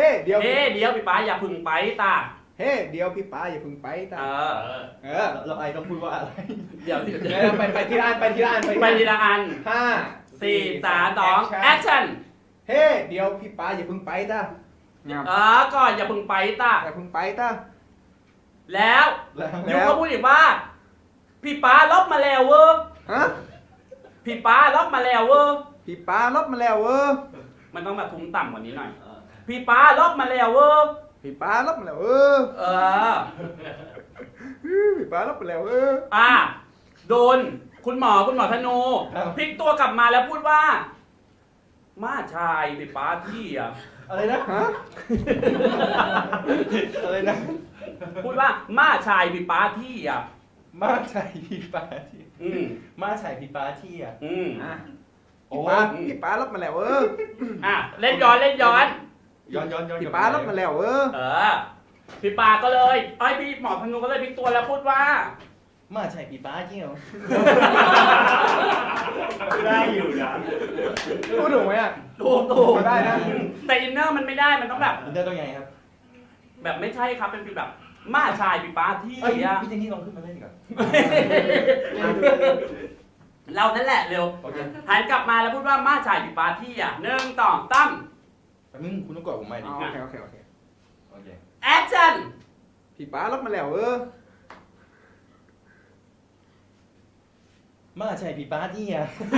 เดี๋ยวพี่ป้าอย่าพึ่งไปตาเฮ้เดี๋ยวพี่ป้าอย่าพึ่งไปตาเราไอต้องพูดว่าอะไรเดี๋ยวไปทีละอันไปทีละอัน 5 4 3 2 action เฮ้เดี๋ยวพี่ป้าอย่าพึ่งไปตาก่อนอย่าพึ่งไปตาอย่าพึ่งไปตาแล้วยูก็พูดอีกว่าพี่ป้าลบมาแล้วเว้ยพี่ป้าลบมาแล้วเว้ยพี่ป้าลบมาแล้วเว้ยมันต้องแบบทุ้มต่ำกว่านี้หน่อยพี่ป้าลบมาแล้วเว้ยพี่ป้าลบมาแล้วเว้ยพี่ป้าลบมาแล้วเว้ยโดนคุณหมอธนูพลิกตัวกลับมาแล้วพูดว่ามาชายพี่ป้าที่อะไรนะอะไรนะพูดว่ามาชายพี่ป้าที่มาชายพี่ป้าที่มาชายพี่ป้าที่พี่ป้าลบมาแล้วเว้ยเล่นย้อนพี่ป้าลบมาแล้วเว้ยพี่ป้าก็เลยพี่หมอธนูก็เลยพลิกตัวแล้วพูดว่ามาใช่พี่ป้าจริงเหรอได้อยู่นะพูดถูกไหมถูกได้นะแต่อินเนอร์มันไม่ได้มันต้องแบบอินเนอร์ต้องไงครับแบบไม่ใช่ครับเป็นฟีลแบบมาชายพี่ป้าที่พี่เจนนี่ลองขึ้นมาเล่นก่อนเรานั่นแหละเร็วหันกลับมาแล้วพูดว่ามาชายพี่ป้าที่1 2 3 แต่มึงคุณต้องกดผมใหม่ดิโอเคแอคชั่นพี่ป้าลบมาแล้วเว้ยมาใช่พี่ป้าที่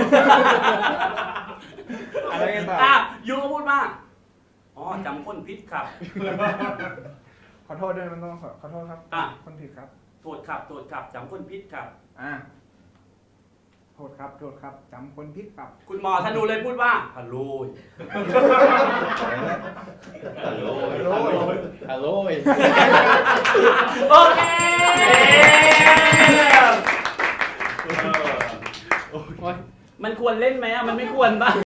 อะไรกันต่อยูก็พูดว่าจำคนผิดครับขอโทษด้วยมันต้องขอโทษครับคนผิดครับโทษครับจำคนผิดครับโทษครับจำคนผิดครับคุณหมอธนูเลยพูดว่าฮัลโหลโอเคมันควรเล่นไหมมันไม่ควรป่ะ